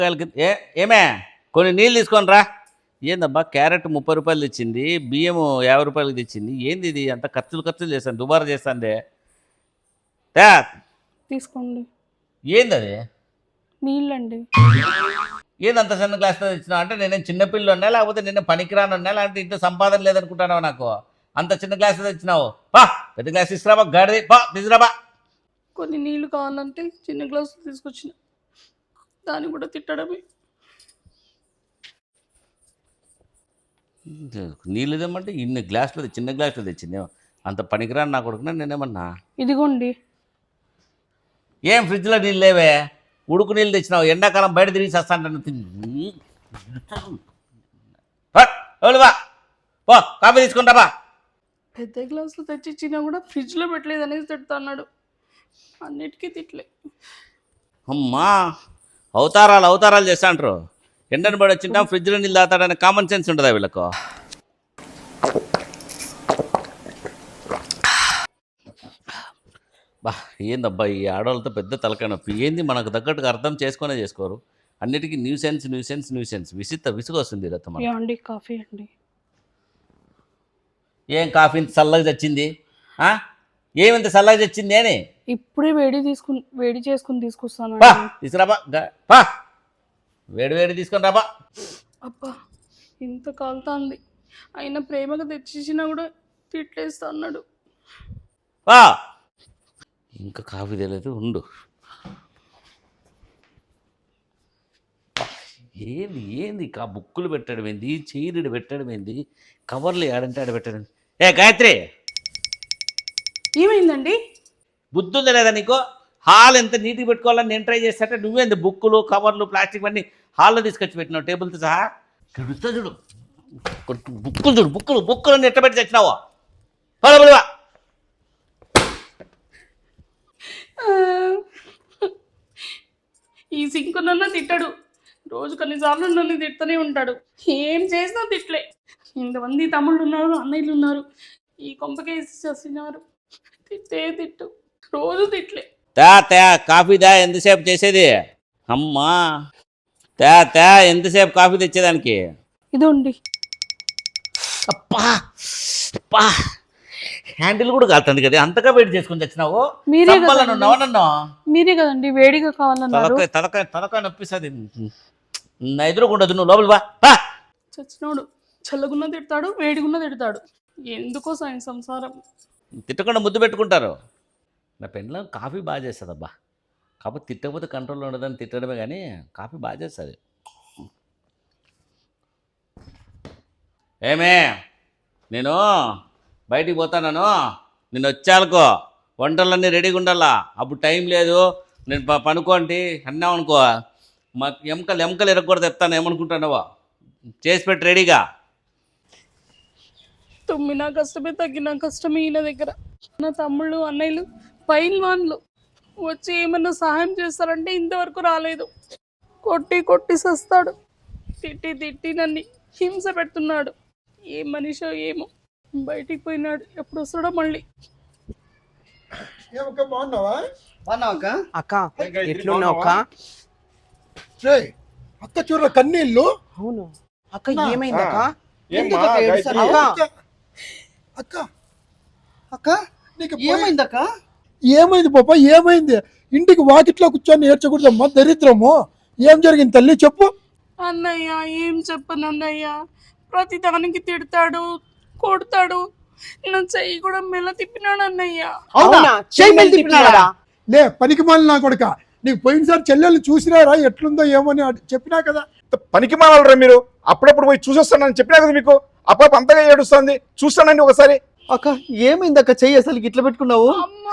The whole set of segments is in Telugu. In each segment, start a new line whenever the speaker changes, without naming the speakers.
ఏమే కొన్ని నీళ్ళు తీసుకొని రా. ఏందబ్బా క్యారెట్ 30 రూపాయలు తెచ్చింది, బియ్యం 50 రూపాయలకి తెచ్చింది. ఏంది ఇది అంత ఖర్చులు చేస్తాను, దుబారా చేస్తాందే.
తీసుకోండి.
ఏంది అది?
నీళ్ళండి.
ఏందంత చిన్న గ్లాస్తో తెచ్చినా అంటే నేనేం చిన్నపిల్లలు ఉన్నా, లేకపోతే నేను పనికిరాను ఉన్నా, లేకపోతే ఇంట్లో సంపాదన లేదనుకుంటున్నావు నాకు? అంత చిన్న గ్లాస్ తెచ్చినావు. బా పెద్ద గ్లాస్ తీసుకురాబా, గాడిది బా తీసుకురాబా.
కొన్ని నీళ్ళు కావాలంటే చిన్న గ్లాసు తీసుకొచ్చిన, దాన్ని కూడా తిట్టడమే.
నీళ్ళు తెమ్మంటే ఇన్ని గ్లాసులు చిన్న గ్లాసులు తెచ్చింది. అంత పనికిరాను నా కొడుకున్నా నేనేమన్నా?
ఇదిగోండి.
ఏం ఫ్రిడ్జ్లో నీళ్ళు లేవే? ఉడుకు నీళ్ళు తెచ్చినావు, ఎండాకాలం బయట తిరిగి వస్తాంటాను. పో కాఫీ తీసుకుంటా బా.
పెద్ద గ్లాసులు తెచ్చిచ్చినా కూడా ఫ్రిడ్జ్లో పెట్టలేదు అనేసి తిడతా అన్నాడు. అన్నిటికీ తిట్లే.
అమ్మా అవతారాలు చేస్తాంటారు. ఎండను పడి వచ్చింటా ఫ్రిడ్జ్లో నీళ్ళు తాగుతాడనే కామన్ సెన్స్ ఉంటుందా వీళ్ళకు? బా ఏందబ్బా ఈ ఆడవాళ్ళతో పెద్ద తలకాయ నొప్పి. ఏంది మనకు తగ్గట్టుగా అర్థం చేసుకోరు. అన్నిటికీ న్యూసెన్స్ విసుగు వస్తుంది.
అండి కాఫీ అండి.
ఏం కాఫీ ఇంత చల్లగా తెచ్చింది? ఏమింత చల్లగా తెచ్చింది అని
ఇప్పుడే వేడి చేసుకుని తీసుకొస్తాను.
తీసుకురాబా, పా వేడి తీసుకొని రాబా.
అబ్బా ఇంత కాలుతాంది, అయినా ప్రేమగా తెచ్చిచ్చినా కూడా తిట్లేస్తా అన్నాడు.
ఇంకా కాఫీ తెలియదు ఉండు. ఏంది బుక్కులు పెట్టడం ఏంది, చీరడు పెట్టడం ఏంది, కవర్లు ఏడంటే ఆడ పెట్టడం. ఏ గాయత్రి
ఏమైందండి?
బుద్ధి ఉందా లేదా నీకు? హాల్ ఎంత నీట్గా పెట్టుకోవాలని నేను ట్రై చేస్తాంటే నువ్వేంది బుక్కులు కవర్లు ప్లాస్టిక్ అన్నీ హాల్లో తీసుకొచ్చి పెట్టినావు టేబుల్తో సహా. చూడు బుక్కులు ఎట్ట పెట్టి తెచ్చినావా? బలువా
ఈ సింకు నన్ను తిట్టాడు, రోజు కొన్నిసార్లు నన్ను తిడుతూనే ఉంటాడు. ఏం చేసినా తిట్లే. ఇంతమంది తమ్ముళ్ళు ఉన్నారు, అన్నయ్యలు ఉన్నారు, ఈ కొంపకేసి చేస్తున్నారు. తిట్టు రోజు తిట్లే.
కాఫీ దా, ఎంతసేపు చేసేది? అమ్మా ఎంతసేపు కాఫీ తెచ్చేదానికి?
ఇదండి.
అప్పా హ్యాండిల్ కూడా కాలుతుంది కదా, అంతగా వేడి చేసుకుని తెచ్చినావు.
మీరే కదండి వేడిగా కావాలన్నారు.
తలకాయ నొప్పిస్తుంది. నా ఎదురుకుండదు, నువ్వు లోపల బా.
చచ్చినోడు చల్లగున్న తిడతాడు, వేడిగున్న తిడతాడు. ఎందుకో సాయం సంసారం.
తిట్టకుండా ముద్దు పెట్టుకుంటారు. నా పెండ్లం కాఫీ బాగా చేస్తుంది అబ్బా. కాకపోతే తిట్టకపోతే కంట్రోల్లో ఉండదని తిట్టడమే, కానీ కాఫీ బాగా చేస్తుంది. ఏమే నేను బయటికి పోతాను, నేను వచ్చానుకో వంటలన్నీ రెడీగా ఉండాలా. అప్పుడు టైం లేదు, నేను పనుకోండి అన్నావు అనుకో, మా ఎముకలు ఎరగకూడదు చెప్తాను. ఏమనుకుంటున్నావో చేసి పెట్టి రెడీగా.
తుమ్మినా కష్టమే, తగ్గినా కష్టమే. ఈయన దగ్గర నా తమ్ముళ్ళు అన్నయ్యలు పైల్వాన్లు వచ్చి ఏమన్నా సహాయం చేస్తారంటే ఇంతవరకు రాలేదు. కొట్టి సస్తాడు, తిట్టి నన్ను హింస పెడుతున్నాడు. ఏ మనిషో ఏమో, బయటికి పోయినాడు, ఎప్పుడు వస్తాడో మళ్ళీ.
అక్క ఎట్లున్నావు అక్క?
అక్క చూడ కన్నీళ్ళు.
అవును అక్క, ఏమైంది అక్క?
అక్క
అక్క నీకు ఏమైంది అక్క?
ఏమైంది పాప, ఏమైంది? ఇంటికి వాకిట్లో కూర్చొని ఏడ్చకూడదమ్మా, దరిద్రము. ఏం జరిగింది తల్లి చెప్పు.
అన్నయ్య ఏం చెప్పను అన్నయ్య, ప్రతి దానికి తిడతాడు, కొడతాడు. నా చెయ్యి కూడా మెల్ల తిప్పినాడు అన్నయ్య.
లే పనికి మాలి నా కొడుక, నీకు పోయినసారి చెల్లెళ్ళు చూసినారా ఎట్లుందో ఏమని చెప్పినా కదా.
పనికి మాలరా మీరు? అప్పుడప్పుడు పోయి చూసొస్తానని చెప్పినా కదా మీకు. అప్పుడు అంతగా ఏడుస్తుంది, చూస్తానండి ఒకసారి.
అక్క ఏమైంది అక్క? చెయ్యి అసలు ఇట్లా పెట్టుకున్నావు?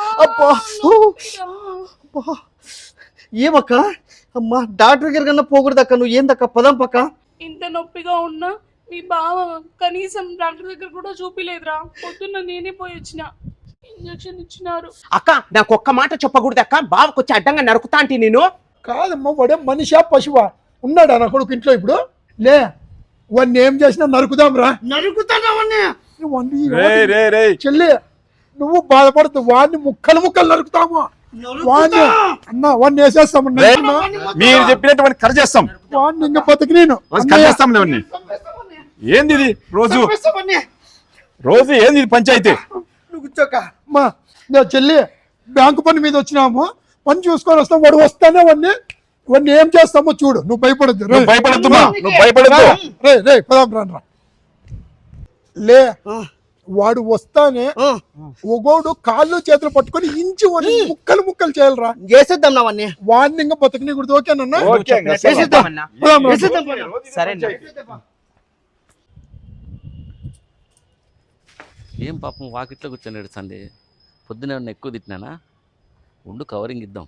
ఏమక్క? అమ్మా డాక్టర్ దగ్గర కన్నా పోకూడదు అక్క. నువ్వు ఏందక్క? పదం పక్క.
ఇంత నొప్పిగా ఉన్నా మీ బావ కనీసం డాక్టర్ దగ్గర కూడా చూపిలేదురా. పొద్దున్న నేనే పోయి వచ్చిన, ఇంజక్షన్ ఇచ్చినారు.
అక్క నాకు ఒక్క మాట చెప్పకూడదు అక్క, బావకు వచ్చి అడ్డంగా నరుకుతా అంటే నేను.
కాదమ్మా, వాడే మనిషా పశువా? ఉన్నాడా నా కొడుకు ఇంట్లో ఇప్పుడు? లే వాడిని ఏం చేసినా నరుకుదాం రా.
నరుకుతానవన్నీ
చెల్లి నువ్వు బాధపడుతు, వాడిని ముక్కలు నరుకుతాము. వాడిని అన్న వాడిని వేసేస్తామన్నా
రేయ్, మీరు చెప్పినటువంటి కట్ చేస్తాం,
వాడిని ఇంకా బతికి నేను
కట్ చేస్తాం లేవన్నీ. ఏంది ఇది రోజు రోజు ఏంది ఇది పంచాయతీ?
నువ్వు కూర్చోక.
అమ్మా నేను చెల్లి బ్యాంకు పని మీద వచ్చినాము, పని చూసుకొని వస్తాం. వాడు వస్తానే వాడిని ఏం చేస్తామో చూడు. నువ్వు భయపడద్దు.
నువ్వు భయపడద్దు మా, నువ్వు భయపడద్దు.
రే పదాం రా లే. వాడు వస్తానే ఒగోడు కాళ్ళు చేతులు పట్టుకొని ఇంచి వాడిని ముక్కలు చేయాలరా.
చేసేద్దాం నావన్నీ.
వాడిని ఇంకా బతకనీకూడదు. ఓకేనన్నా?
ఓకే ఇంకా
చేసేద్దామన్నా.
పదాం రా.
సరే
ఏం పాపం వాకిట్లో కూర్చొని ఏడుస్తుంది. పొద్దున ఏమన్నా ఎక్కువ తిట్టినానా? ఉండు కవరింగ్ ఇద్దాం.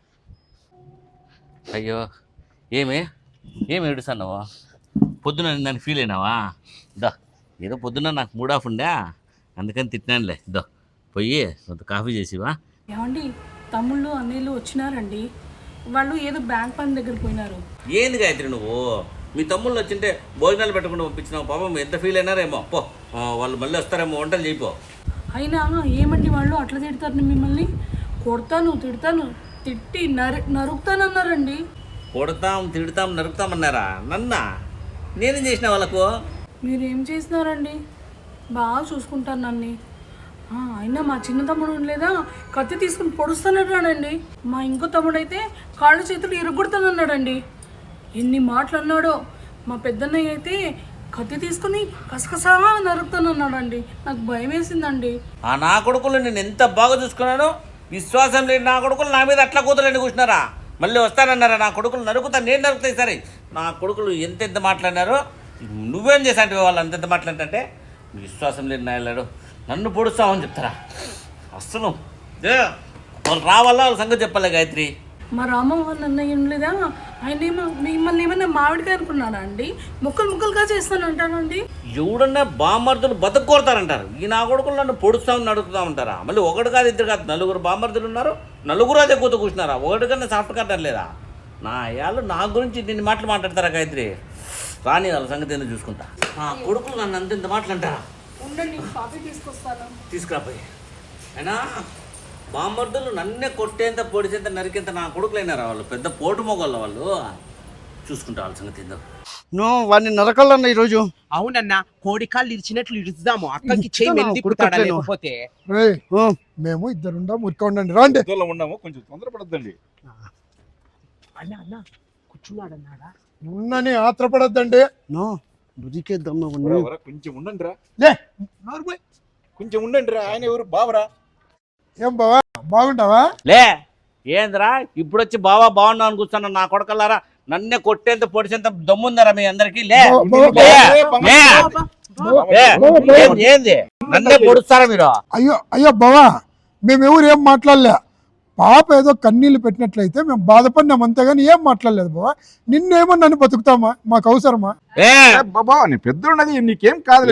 అయ్యో ఏమి ఏడుస్తున్నావా? పొద్దున నన్ను ఫీల్ అయినావా? దా ఏదో పొద్దున నాకు మూడ్ ఆఫ్ ఉండా, అందుకని తిట్టినానులే. దో పోయి కొంత కాఫీ చేసివా?
ఏమండి తమ్ముళ్ళు అన్నయ్యలు వచ్చినారండి. వాళ్ళు ఏదో బ్యాంక్ పని దగ్గర పోయినారు.
ఏంది గాయత్రి నువ్వు? మీ తమ్ముళ్ళు వచ్చింటే భోజనాలు పెట్టకుండా పంపించినావు. పాపం ఎంత ఫీల్ అయినారేమో. పో వాళ్ళు మళ్ళీ వస్తారేమో, వంటలు చేయిపో.
అయినా ఏమండి వాళ్ళు అట్లా తిడతారు మిమ్మల్ని? కొడతాను తిడతాను, తిట్టి నరుకుతానన్నారండి.
కొడతాం తిడతాం నరుకుతామన్నారా? నన్నా? నేనేం చేసిన వాళ్ళకు?
మీరేం చేసినారండి? బాగా చూసుకుంటాను నన్ను. అయినా మా చిన్న తమ్ముడు లేదా కత్తి తీసుకుని పొడుస్తానన్నాడండి. మా ఇంకో తమ్ముడు అయితే కాళ్ళు చేతులు ఇరగొడతానన్నాడండి. ఎన్ని మాటలు అన్నాడో. మా పెద్దన్నయ్య అయితే కత్తి తీసుకుని కసకసా నరుకుతానన్నాడండి. నాకు భయం వేసిందండి.
నా కొడుకులు నేను ఎంత బాగా చూసుకున్నాను. విశ్వాసం లేని నా కొడుకులు నా మీద అట్లా కూతురండి కూర్చున్నారా? మళ్ళీ వస్తానన్నారా? నా కొడుకులు నరుకుతాను, నేను నరుకుతాయి. సరే నా కొడుకులు ఎంతెంత మాట్లాడినారో. నువ్వేం చేశాంటివి వాళ్ళు అంతెంత మాట్లాడంటే? విశ్వాసం లేని నాయలాడు నన్ను పొడుస్తామని చెప్తారా? అస్సలు వాళ్ళు రావాలా, వాళ్ళ సంగతి చెప్పాలి గాయత్రి.
మా రామమోహన్ అన్నయ్య లేదా ఆయన మిమ్మల్ని ఏమన్నా మామిడికాయ అనుకున్నాడా అండి? ముక్కలుగా చేస్తానంటానండి.
ఎవడన్నా బామర్దులు బతకొడతారంటారు. ఈ నా కొడుకులు నన్ను పొడుస్తామని అడుగుతా ఉంటారా? మళ్ళీ ఒకటి కాదు ఇద్దరు కాదు, నలుగురు బామర్దులు ఉన్నారు. నలుగురు అదే కూత కూర్చున్నారా? ఒకటి కన్నా సాఫ్ట్ కట్టర్ లేదా? నా అయ్యాలు నా గురించి దీన్ని మాటలు మాట్లాడతారా గాయత్రి? రాని వాళ్ళ సంగతి ఏందో చూసుకుంటా. నా కొడుకులు నన్ను అంత మాటలు అంటారా?
ఉండండి కాఫీ తీసుకొస్తాను.
తీసుకురాపోయి అయినా బామర్దులు నన్నే కొట్టేంత పొడిచేంత నరికేంత నా కొడుకులైనారా? వాళ్ళు పెద్ద పోటు మొగోళ్ళ వాళ్ళు. చూసుకుంటా వాళ్ళ సంగతి ఏందో.
నువ్వు వాడిని నరకాలన్నా ఈరోజు. అవునన్నా, కోడి కాళ్ళు ఇరిచినట్లు ఇరుద్దాము. అక్కడికి లేకపోతే
రేయ్ మేము ఇద్దరుండా మురిక ఉండండి. రాండి.
ఇద్దరిలో ఉన్నాము, కొంచెం తొందరపడద్దండి.
అన్న కూర్చున్నాడన్నాడా?
ఉన్నని ఆత్రపడద్దండి.
బుదికేద్దాం.
కొంచెం ఉండండి రా,
లే
కొంచెం ఉండండి రా. ఆయన ఎవరు? బావరా?
ఏం బావా బాగుంటావా?
లే ఏంద్రా ఇప్పుడు వచ్చి బావా బాగున్నావు అని కూర్చున్నా? నా కొడకల్లారా నన్నే కొట్టేంత పొడిచేంత దమ్ముందరా మీ అందరికి? లే ఏంది నన్నే పొడుస్తారా మీరు?
అయ్యో బావా మేమెవరు ఏం మాట్లాడలే. పాప ఏదో కన్నీళ్ళు పెట్టినట్లయితే మేము బాధపడినాం అంతేగాని ఏం మాట్లాడలేదు బావా. నిన్నేమో నన్ను బతుకుతామా? మాకు అవసరమా?
బాబా నీ పెద్దోన్నది, నీకేం కాదు.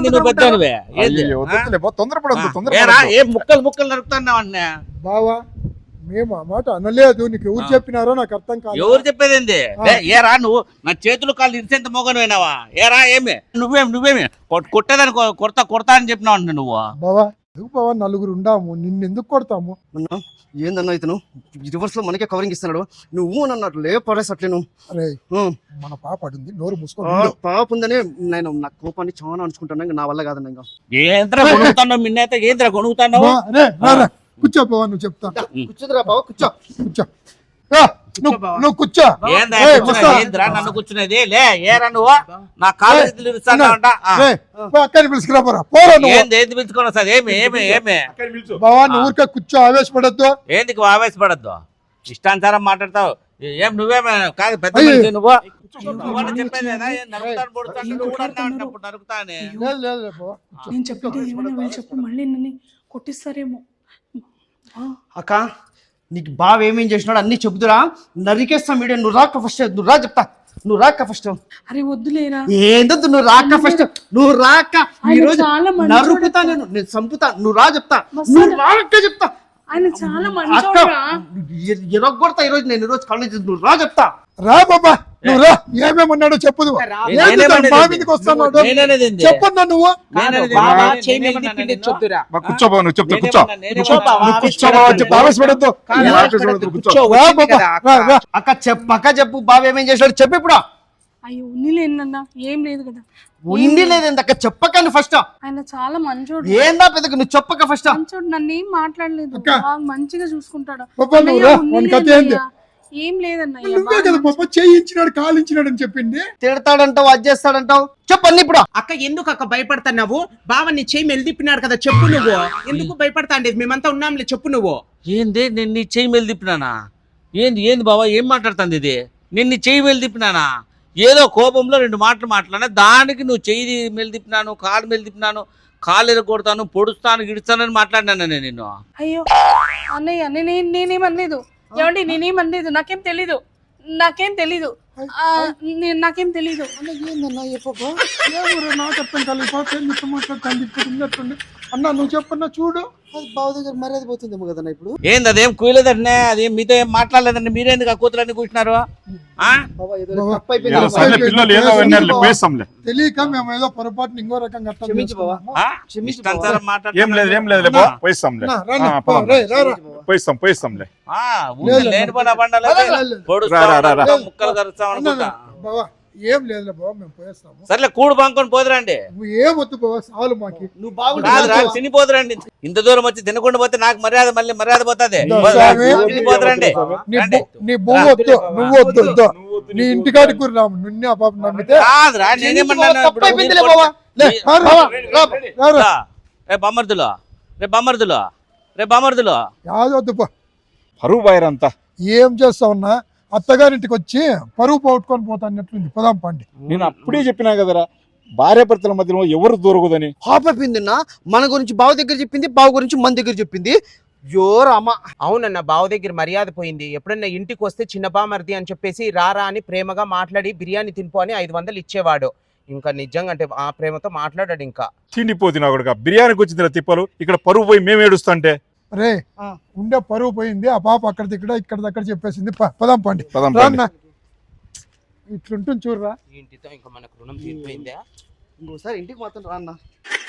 తొందరపడద్దు.
ముక్కలు నరుకుతున్నావు అన్న
బావా మేము ఆ మాట అనలేదు. నీకు ఎవరు చెప్పినారో నాకు అర్థం కాదు.
ఎవరు చెప్పేదేంది? ఏరా నువ్వు నా చేతులు కాళ్ళు ఇరిసేంత మోగను అయినావా? ఏరా ఏమి నువ్వేమి కొట్టేదాన్ని కొడతా అని చెప్పినావు అంట నువ్వు.
బావా ఎందుకు బావా నలుగురు ఉండాము, నిన్నెందుకు కొడతాము?
ఏందన్నా ఇతను రివర్స్ లో మనకే కవరింగ్ ఇస్తున్నాడు. నువ్వు నన్ను లేపడేసట్లేను.
అరే మన పాప అడుంది, నోరు మూసుకో.
పాప ఉందనే నేను నా కోపాన్ని చాలా అనుకుంటున్నా. నా వల్ల కాదన్నా. ఇంకా
ఏంద్రా కొనుగుతున్నావు? మిన్నైతే ఏంద్రా కొనుగుతున్నావు?
కూర్చో బావా, నువ్వు చెప్తా.
కూర్చోదురా బావ, కూర్చో.
నువ్వు కూర్చో.
ఏంద్రా నన్ను కూర్చునేది? లే ఏరా నువ్వు నా కాలేజీలు
అక్కడిని పిలుచుకురా పోరా.
ఏంది పిలుచుకున్నా సార్? ఏమి
బావా నువ్వు ఊరికే కూర్చో, ఆవేశపడద్దు.
ఏందుకు ఆవేశపడద్దు? ఇష్టానుసారం మాట్లాడతావు. ఏం నువ్వేమే కాదు పెద్ద మనిషి నువ్వు. చెప్పేదేనా? నరుకుతానే.
నేను చెప్పేది ఏమైనా వీళ్ళు చెప్పి మళ్ళీ నన్ను కొట్టిస్తారేమో.
అక్క నీకు బావ ఏమేం చేసినాడు అన్ని చెబుతురా. నరికేస్తాం వీడియో. నువ్వు రాక ఫస్ట్. నువ్వు రా చెప్తా. నువ్వు రాక ఫస్ట్.
అరే వద్దులేరా.
ఏందొద్దు, నువ్వు రాక ఫస్ట్. నువ్వు రాక ఈరోజు నరుకుతా, నేను చంపుతా. నువ్వు రా చెప్తా. నువ్వు రాక చెప్తా.
ఆయన చాలా
అక్క
మంచోడురా.
ఎరగొడతా ఈరోజు, నేను ఈరోజు కాలేజ్ నువ్వు రా చెప్తా.
రా బాబా నువ్వు రా, ఏమేమన్నాడో చెప్పు నువ్వు. ఏంది తను మా మీదకి వస్తున్నాడు?
నేననేది ఏంది?
చెప్పన్నా నువ్వు.
నేననేది
బాబా
ఏంది?
చేయి మీద
నేనేమన్నా
తిప్పింది
నేను?
చెప్తురా.
కూర్చో బావ, నువ్వు చెప్తా కూర్చో.
నేనేమన్నా?
నువ్వు కూర్చో బావ, చెప్పు ఆవేశపడద్దు. ఆవేశపడద్దు, కూర్చో.
రా బాబా రా రా.
అక్క చెప్పు బావ ఏమేం చేశాడు చెప్పు ఇప్పుడు.
అయ్యో ఉన్నిలేనన్నా, ఏం లేదు కదా.
ఉండి లేదండి అక్క, చెప్పకండి ఫస్ట్.
ఆయన చాలా మంచోడు.
ఏందా పెద్దగా నువ్వు చెప్పక ఫస్ట్.
మంచోడు, నన్ను ఏం మాట్లాడలేదు,
అక్క.
బాగా మంచిగా చూసుకుంటాడు.
బాబా నువ్వు
అన్నయ్య,
రా,
ఉన్నిలే
వాని కథ ఏంది?
అన్నయ్య. ఏం లేదన్నయ్య,
నువ్వే కదా బాబా చేయించినాడు కాలించినాడు అని చెప్పింది.
తిడతాడంటావు, అది చేస్తాడంటావు, చెప్పండి ఇప్పుడు.
అక్క ఎందుకు అక్క భయపడతావు? బావ నీ చేయి మెలిదిప్పినాడు కదా, చెప్పు నువ్వు. ఎందుకు భయపడతాండి? మేమంతా ఉన్నాంలే, చెప్పు నువ్వు.
ఏంది నేను నీ చెయ్యి మేలు తిప్పినానా? ఏంది ఏంది బాబా ఏం మాట్లాడుతుంది ఇది? నేను నీ చెయ్యి మేలు తిప్పినానా? ఏదో కోపంలో 2 మాటలు మాట్లాడినా దానికి నువ్వు చెయ్యి మేలు తిప్పినాను, కాలు మేలు తిప్పినాను, కాలు ఎరగొడతాను, పొడుస్తాను, గిడుస్తానని మాట్లాడినాను నేను నిన్ను.
అయ్యో అన్నయ్య, నేనేమనలేదు. ఏమండి, నేనేమనలేదు. నాకేం తెలీదు. నాకేం తెలీదు.
ఏందన్నా చెప్పబ్బా, ఏమో నాకు అర్థం కాలేదు. అన్నా నువ్వు చెప్పన్నా చూడు.
అది బావ దగ్గర మర్యాద పోతుందేమో కదన్నా ఇప్పుడు.
ఏంది అదేం కుయలేదంటే అదేం మీతో ఏం మాట్లాడలేదండి, మీరేందుకు ఆ కూతురన్నీ కూర్చున్నారు? ఆ?
బావ ఏదో
బావ,
తప్పు అయిపోయింది.
ఏదో సర్లే, పిల్లలు ఏదో విన్నారులే, పోయిస్తాంలే.
తెలియక మేము ఏదో పొరపాటుని ఇంకో రకంగా అర్థం
క్షమించు బావ.
చేసుకున్నాము.
ఆ?
క్షమించు
ఇష్టానుసారం
ఏం లేదు ఏం
మాట్లాడుతున్నారు.
లేదులే బా, పోయిస్తాంలే.
నా, రా నా,
పదం.
రేయ్, రా రా.
పోయిస్తాంలే.
ఆ, ఊరికే లేని పని బండలే పొడుస్తా
రా, రా, రా.
ఉంటావు, ముక్కలు కరుస్తావు
అన్నా,
అనుకుంటా.
బావా ఏం లేదులే బావ, మేము పోయేస్తాము.
సర్లే కూడు బంకొని పోదురండి.
నువ్వు ఏమొద్దు బావ, చాలు మాకి.
నువ్వు
రాదు
బాగుంటుంది.
తినిపోదురండి. ఇంత దూరం వచ్చి తినకుండా పోతే నాకు మర్యాద మర్యాద పోతుంది.
స్వామి.
తినిపోదురండి.
నీ నీ బొవ్వు వద్దు, నువ్వు వద్దు వద్దు. నీ ఇంటికాడికి కూడా రాము, నిన్నే ఆ పాప నమ్మితే.
కాదురా నేనేమన్నాను
తప్పు అయిపోయిందిలే బావ.
లే, రా, రా, రా, రా.
రే బామర్దులో
యాదొద్దు పో.
పరువు బాయరంతా.
ఏం చేస్తావున్నా, అత్తగారింటికి వచ్చి పరువు పోగొట్టుకొని పోతాన్నట్లుంది. పోదాం పండి.
నేను అప్పుడే చెప్పినా కదరా, భార్యాభర్తల మధ్యలో ఎవరు దొరకదని.
పాప అయిపోయిందన్నా, మన గురించి బావ దగ్గర చెప్పింది, బావ గురించి మన దగ్గర చెప్పింది. యో రామా.
అవునన్న, బావ దగ్గర మర్యాద పోయింది. ఎప్పుడన్నా ఇంటికి వస్తే చిన్న బామర్ది అని చెప్పేసి రారా అని ప్రేమగా మాట్లాడి బిర్యానీ తినిపో అని 500 ఇచ్చేవాడు. ఇంకా నిజంగా అంటే ఆ ప్రేమతో మాట్లాడాడు. ఇంకా
తిండిపోతున్నా కొడుక, బిర్యానీకి వచ్చిందిరా తిప్పలు, ఇక్కడ పరువు పోయి మేము ఏడుస్తుంటే.
రే ఉండే పరువు పోయింది, ఆ పాప అక్కడ దగ్గర చెప్పేసింది. పదాం పండి.
పదం
రాన్న, ఇట్లుంటుంది చూడరా.
ఇంటితో ఇంకా మనకు రుణం తీరిపోయిందా?
ఇంకోసారి ఇంటికి మాత్రం రా అన్న.